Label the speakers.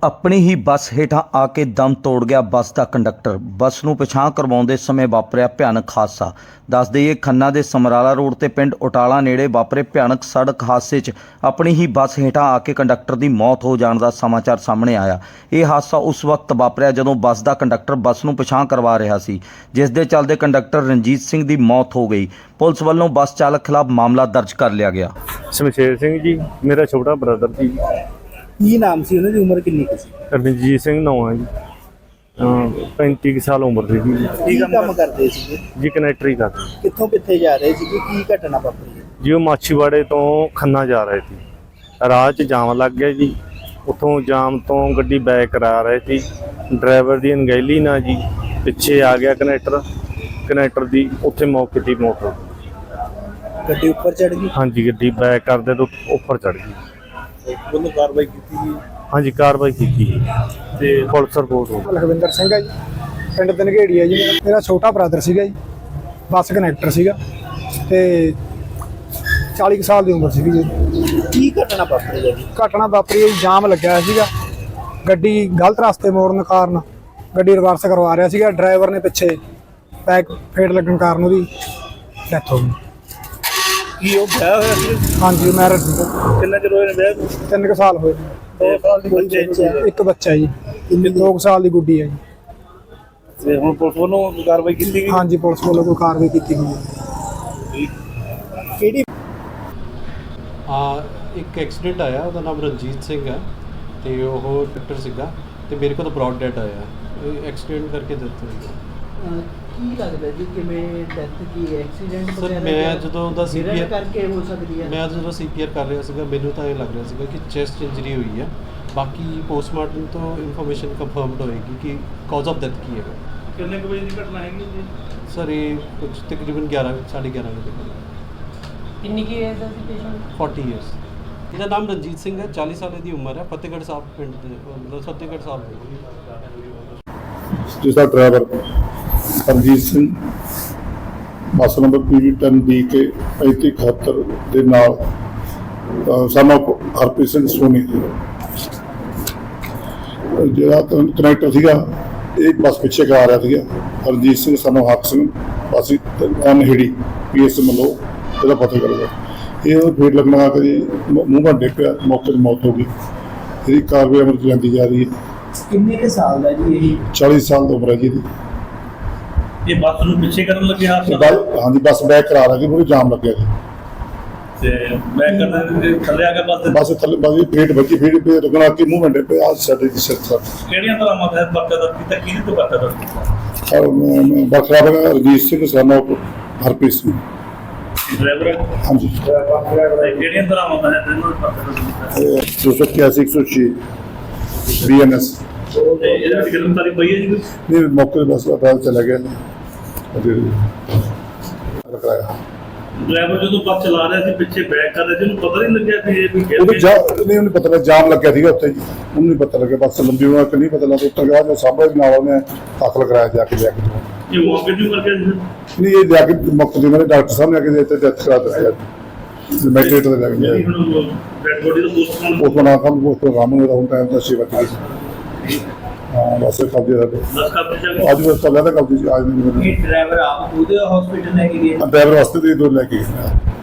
Speaker 1: ਆਪਣੀ ਹੀ ਬੱਸ ਹੇਠਾਂ ਆ ਕੇ ਦਮ ਤੋੜ ਗਿਆ ਬੱਸ ਦਾ ਕੰਡਕਟਰ। ਬੱਸ ਨੂੰ ਪਿਛਾਂਹ ਕਰਵਾਉਂਦੇ ਸਮੇਂ ਵਾਪਰਿਆ ਭਿਆਨਕ ਹਾਦਸਾ। ਦੱਸ ਦੇਈਏ, ਖੰਨਾ ਦੇ ਸਮਰਾਲਾ ਰੋਡ ਤੇ ਪਿੰਡ ਉਟਾਲਾ ਨੇੜੇ ਵਾਪਰੇ ਭਿਆਨਕ ਸੜਕ ਹਾਦਸੇ 'ਚ ਆਪਣੀ ਹੀ ਬੱਸ ਹੇਠਾਂ ਆ ਕੇ ਕੰਡਕਟਰ ਦੀ ਮੌਤ ਹੋ ਜਾਣ ਦਾ ਸਮਾਚਾਰ ਸਾਹਮਣੇ ਆਇਆ। ਇਹ ਹਾਦਸਾ ਉਸ ਵਕਤ ਵਾਪਰਿਆ ਜਦੋਂ ਬੱਸ ਦਾ ਕੰਡਕਟਰ ਬੱਸ ਨੂੰ ਪਿਛਾਂਹ ਕਰਵਾ ਰਿਹਾ ਸੀ, ਜਿਸ ਦੇ ਚੱਲਦੇ ਕੰਡਕਟਰ ਰਣਜੀਤ ਸਿੰਘ ਦੀ ਮੌਤ ਹੋ ਗਈ। ਪੁਲਿਸ ਵੱਲੋਂ ਬੱਸ ਚਾਲਕ ਖਿਲਾਫ ਮਾਮਲਾ ਦਰਜ ਕਰ ਲਿਆ ਗਿਆ।
Speaker 2: ਸ਼ਮਸ਼ੇਰ ਸਿੰਘ ਜੀ ਮੇਰਾ ਛੋਟਾ ਬ੍ਰਦਰ ਜੀ।
Speaker 3: ਕੀ ਨਾਮ ਸੀ ਉਹਨਾਂ ਦੀ, ਉਮਰ ਕਿੰਨੀ ਕੁ ਸੀ?
Speaker 2: ਰਣਜੀਤ ਸਿੰਘ ਨਾਮ ਹੈ ਜੀ। 35 ਸਾਲ ਉਮਰ ਸੀ ਜੀ।
Speaker 3: ਕੀ ਕੰਮ ਕਰਦੇ ਸੀਗੇ
Speaker 2: ਜੀ ਕਨੈਕਟਰੀ ਕਰਦੇ
Speaker 3: ਕਿੱਥੋਂ ਕਿੱਥੇ ਜਾ ਰਹੇ ਸੀਗੇ, ਕੀ ਘਟਨਾ ਵਾਪਰੀ ਹੈ?
Speaker 2: ਜੀ। ਉਹ ਮਾਛੀਵਾੜੇ ਤੋਂ ਖੰਨਾ ਜਾ ਰਹੇ ਸੀ, ਰਾਹ 'ਚ ਜਾਮ ਲੱਗ ਗਿਆ ਜੀ। ਉੱਥੋਂ ਜਾਮ ਤੋਂ ਗੱਡੀ ਬੈਕ ਕਰਾ ਰਹੇ ਸੀ, ਡਰਾਈਵਰ ਦੀ ਅਣਗਹਿਲੀ ਨਾਲ ਜੀ ਪਿੱਛੇ ਆ ਗਿਆ ਕਨੈਕਟਰ ਦੀ ਉੱਥੇ ਮੌਕੇ ਦੀ ਮੌਤ।
Speaker 3: ਗੱਡੀ ਉੱਪਰ ਚੜ ਗਈ?
Speaker 2: ਹਾਂਜੀ, ਗੱਡੀ ਬੈਕ ਕਰਦੇ ਤੋਂ ਉੱਪਰ ਚੜ ਗਈ।
Speaker 3: ਉਹਨੂੰ ਕਾਰਵਾਈ ਕੀਤੀ ਜੀ?
Speaker 2: ਹਾਂਜੀ, ਕਾਰਵਾਈ ਕੀਤੀ ਜੀ ਤੇ ਪੁਲਿਸ ਰਿਪੋਰਟ ਹੋ ਗਈ।
Speaker 4: ਲਖਵਿੰਦਰ ਸਿੰਘ ਹੈ ਜੀ, ਪਿੰਡ ਦਨਗੇੜੀ ਹੈ ਜੀ। ਮੇਰਾ ਛੋਟਾ ਬ੍ਰਦਰ ਸੀਗਾ ਜੀ, ਬੱਸ ਕਨੈਕਟਰ ਸੀਗਾ ਤੇ 40 ਸਾਲ ਦੀ ਉਮਰ ਸੀਗੀ ਜੀ।
Speaker 3: ਕੀ ਘਟਨਾ ਵਾਪਰੀ ਹੈ ਜੀ?
Speaker 4: ਘਟਨਾ ਵਾਪਰੀ ਹੈ ਜੀ, ਜਾਮ ਲੱਗਿਆ ਹੋਇਆ ਸੀਗਾ, ਗੱਡੀ ਗਲਤ ਰਸਤੇ ਮੋੜਨ ਕਾਰਨ ਗੱਡੀ ਰਿਵਰਸ ਕਰਵਾ ਰਿਹਾ ਸੀਗਾ। ਡਰਾਈਵਰ ਨੇ ਪਿੱਛੇ ਬੈਕ ਫੇਟ ਲੱਗਣ ਕਾਰਨ ਉਹਦੀ ਡੈਥ ਹੋ ਗਈ।
Speaker 3: ਕੀ ਉਹ ਵਿਆਹ ਹੋਇਆ ਸੀ?
Speaker 4: ਹਾਂਜੀ, ਮੈਰਿਜ ਸੀਗਾ।
Speaker 3: ਕਿੰਨਾ ਚਿਰ ਹੋਇਆ ਵਿਆਹ ਨੂੰ?
Speaker 4: 3 ਸਾਲ ਹੋਏ ਨੇ।
Speaker 3: 2 ਸਾਲ ਦੀ ਬੱਚੇ?
Speaker 4: ਇੱਕ ਬੱਚਾ ਜੀ, 2 ਸਾਲ ਦੀ ਗੁੱਡੀ ਹੈ ਜੀ।
Speaker 3: ਤੇ ਹੁਣ ਪੁਲਿਸ ਵੱਲੋਂ ਕਾਰਵਾਈ ਕੀਤੀ ਗਈ?
Speaker 4: ਹਾਂਜੀ, ਪੁਲਿਸ ਵੱਲੋਂ ਕੋਈ ਕਾਰਵਾਈ ਕੀਤੀ ਗਈ ਹੈ।
Speaker 3: ਕਿਹੜੀ?
Speaker 5: ਇੱਕ ਐਕਸੀਡੈਂਟ ਆਇਆ, ਉਹਦਾ ਨਾਮ ਰਣਜੀਤ ਸਿੰਘ ਹੈ ਤੇ ਉਹ ਡਾਕਟਰ ਸੀਗਾ ਤੇ ਮੇਰੇ ਕੋਲ ਬ੍ਰੌਡ ਡੈਡ ਆਇਆ। ਇਹ ਐਕਸੀਡੈਂਟ ਕਰਕੇ ਡੈਥ ਹੋਈ।
Speaker 6: ਕੀ ਲੱਗਦਾ ਜੀ ਕਿਵੇਂ ਡੈਥ ਕੀ ਐਕਸੀਡੈਂਟ
Speaker 5: ਸਰ ਮੈਂ ਜਦੋਂ ਉਹਦਾ ਸੀਪੀਆਰ
Speaker 6: ਕਰਕੇ ਹੋ ਸਕਦੀ ਹੈ?
Speaker 5: ਮੈਂ ਜਦੋਂ ਸੀਪੀਆਰ ਕਰ ਰਿਹਾ ਸੀਗਾ, ਮੈਨੂੰ ਤਾਂ ਇਹ ਲੱਗ ਰਿਹਾ ਸੀਗਾ ਕਿ ਚੈਸਟ ਇੰਜਰੀ ਹੋਈ ਹੈ। ਬਾਕੀ ਪੋਸਟਮਾਰਟਮ ਤੋਂ ਇਨਫੋਰਮੇਸ਼ਨ ਕੰਫਰਮਡ ਹੋਏਗੀ ਕਿ ਕਾਜ਼ ਆਫ ਡੈਥ ਕੀ ਹੈਗਾ।
Speaker 3: ਕਿੰਨੇ ਕੁ ਵਜੇ ਦੀ ਘਟਨਾ ਹੈਗੀ ਜੀ?
Speaker 5: ਸਰ ਇਹ ਕੁਝ ਤਕਰੀਬਨ 11:30 ਵਜੇ।
Speaker 6: ਕਿੰਨੀ ਕੀ ਏਜ ਹੈ ਸੀ ਪੇਸ਼ੈਂਟ?
Speaker 5: 40 ਇਅਰਸ। ਇਹਦਾ ਨਾਮ ਰਣਜੀਤ ਸਿੰਘ ਹੈ, 40 ਸਾਲ ਦੀ ਉਮਰ ਹੈ। ਫਤਿਹਗੜ੍ਹ ਸਾਹਿਬ ਪਿੰਡ ਦੇ, ਮਤਲਬ ਫਤਿਹਗੜ੍ਹ ਸਾਹਿਬ
Speaker 7: ਜਿਸਦਾ driver Ranjit Singh bus number PV10DK 3571 ਦੇ ਨਾਲ ਸਾਨੂੰ ਹਰਪ੍ਰੀਤ ਸਿੰਘ ਸੋਨੀ ਜਿਹੜਾ ਕਨੈਕਟਰ ਸੀਗਾ, ਇਹ ਬੱਸ ਪਿੱਛੇ ਕਰਾ ਰਿਹਾ ਸੀਗਾ। ਰਣਜੀਤ ਸਿੰਘ ਸਾਨੂੰ ਹੱਕ ਸਿੰਘ ਅਸੀਂ ਅਨਹਿੜੀ PS ਮਲੋ ਇਹਦਾ ਪਤਾ ਕਰਦਾ। ਇਹ ਫੇਰ ਲੱਗਣਾ ਕਿ ਮੂੰਹ ਘੰਟੇ ਪਿਆ, ਮੌਕੇ 'ਤੇ ਮੌਤ ਹੋ ਗਈ। ਇਹਦੀ ਕਾਰਵਾਈ ਅਮਲ 'ਚ ਜਾਂਦੀ ਜਾ ਰਹੀ ਹੈ।
Speaker 3: ਕਿੰਨੇ ਕੁ ਸਾਲ ਦਾ ਜੀ ਇਹ?
Speaker 7: 40 ਸਾਲ ਦੀ ਉਮਰ ਹੈ ਜੀ ਇਹਦੀ।
Speaker 3: ਇਹ ਬੱਸ ਨੂੰ ਪਿੱਛੇ ਕਰਨ ਲੱਗੇ
Speaker 7: ਹਾਂਜੀ, ਬੱਸ ਬੈਕ ਕਰਾ ਰਹੀ ਸੀ, ਪੂਰੀ ਜਾਮ ਲੱਗਿਆ ਜੀ
Speaker 3: ਤੇ ਬੈਕ ਕਰਨ ਥੱਲੇ ਆ ਕੇ
Speaker 7: ਬੱਸ ਥੱਲੇ ਬੱਸ ਫੇਟ ਵੱਜੀ, ਫੇਟ ਪੇ ਰੁਕਣਾ ਕਿ ਮੂੰਹ ਘੰਟੇ ਪੇ ਆ ਸਾਡੇ ਦੀ ਸਿਰ ਸਰ।
Speaker 3: ਕਿਹੜੀਆਂ ਤਰ੍ਹਾਂ ਮਤ ਬੱਕਾ ਦਾ ਕੀਤਾ, ਕਿਹਦੇ ਤੋਂ ਬੱਕਾ ਦਾ?
Speaker 7: ਬਖਰਾ ਬਗਾ ਰਣਜੀਤ ਸਿੰਘ ਸਾਨੂੰ ਹਰਪ੍ਰੀਤ ਸਿੰਘ
Speaker 3: ਡਰਾਈਵਰ?
Speaker 7: ਹਾਂਜੀ।
Speaker 3: ਕਿਹੜੀਆਂ ਤਰ੍ਹਾਂ ਮਤ ਹੈ ਤੈਨੂੰ ਬੱਕਾ ਦਾ?
Speaker 7: 281 106 BNS।
Speaker 3: ਤੇ ਇਹਦੇ ਵਿੱਚ ਗ੍ਰਿਫਤਾਰੀ ਪਈ ਹੈ ਜੀ?
Speaker 7: ਨਹੀਂ, ਮੌਕੇ 'ਤੇ ਬੱਸ ਅਦਾਲਤ ਚਲਾ ਗਿਆ ਰਖਾਇਆ।
Speaker 3: ਡਰਾਈਵਰ ਜਦੋਂ ਬੱਸ ਚਲਾ ਰਿਹਾ ਸੀ, ਪਿੱਛੇ ਬੈਕ ਕਰ ਰਿਹਾ ਸੀ, ਉਹਨੂੰ ਪਤਾ ਨਹੀਂ ਲੱਗਿਆ ਕਿ ਇਹ ਵੀ
Speaker 7: ਉਹਨੂੰ ਪਤਾ ਲੱਗਾ ਜਾਮ ਲੱਗਿਆ ਸੀਗਾ ਉੱਥੇ ਜੀ। ਉਹਨੂੰ ਨਹੀਂ ਪਤਾ ਲੱਗਿਆ, ਬੱਸ ਲੰਬੀ ਹੋਣਾ ਕਿ ਨਹੀਂ ਪਤਾ ਲੱਗਾ। ਉੱਤਰ ਗਿਆ ਜੋ ਸਾਹਮਣੇ ਨਾਲ ਉਹਨੇ ਦਾਖਲ ਕਰਾਇਆ ਜਾ ਕੇ ਲਿਆ ਕੇ।
Speaker 3: ਇਹ ਮੌਕੇ ਦੀ ਕਰਕੇ
Speaker 7: ਨਹੀਂ, ਇਹ ਜਾ ਕੇ ਮੁਕਤ ਦੇ ਮੇਰੇ ਡਾਕਟਰ ਸਾਹਿਬ ਨੇ ਆ ਕੇ ਇੱਥੇ ਡੈਥ ਕਰਾ ਦਿੱਤੀ। ਮੈਟਰੇਟ ਦੇ ਲੱਗ ਗਿਆ
Speaker 3: ਡੈਡ ਬੋਡੀ ਦਾ ਪੋਸਟਮਾਰਟਮ
Speaker 7: ਉਸ ਨਾਲ ਕੰਮ ਉਸ ਤੋਂ ਕੰਮ ਹੋਇਆ। ਹੁਣ ਟਾਈਮ ਦਾ ਸੇਵਾ ਕੀਤੀ। ਹਾਂ, ਬਸ ਕਬਜ਼ੇ ਦਾ
Speaker 3: ਦੱਸ ਕਰ ਦਿੱਤਾ।
Speaker 7: ਅੱਜ ਬਸ ਤਾਂ ਲੈਦਾ ਕਬਜ਼ੇ ਅੱਜ ਨਹੀਂ।
Speaker 6: ਇਹ ਡਰਾਈਵਰ ਆਪ ਉਹਦੇ ਹਸਪੀਟਲ ਲੈ ਕੇ ਗਏ?
Speaker 7: ਡਰਾਈਵਰ ਵਾਸਤੇ ਦੇ ਦੋ ਲੈ ਕੇ ਗਏ।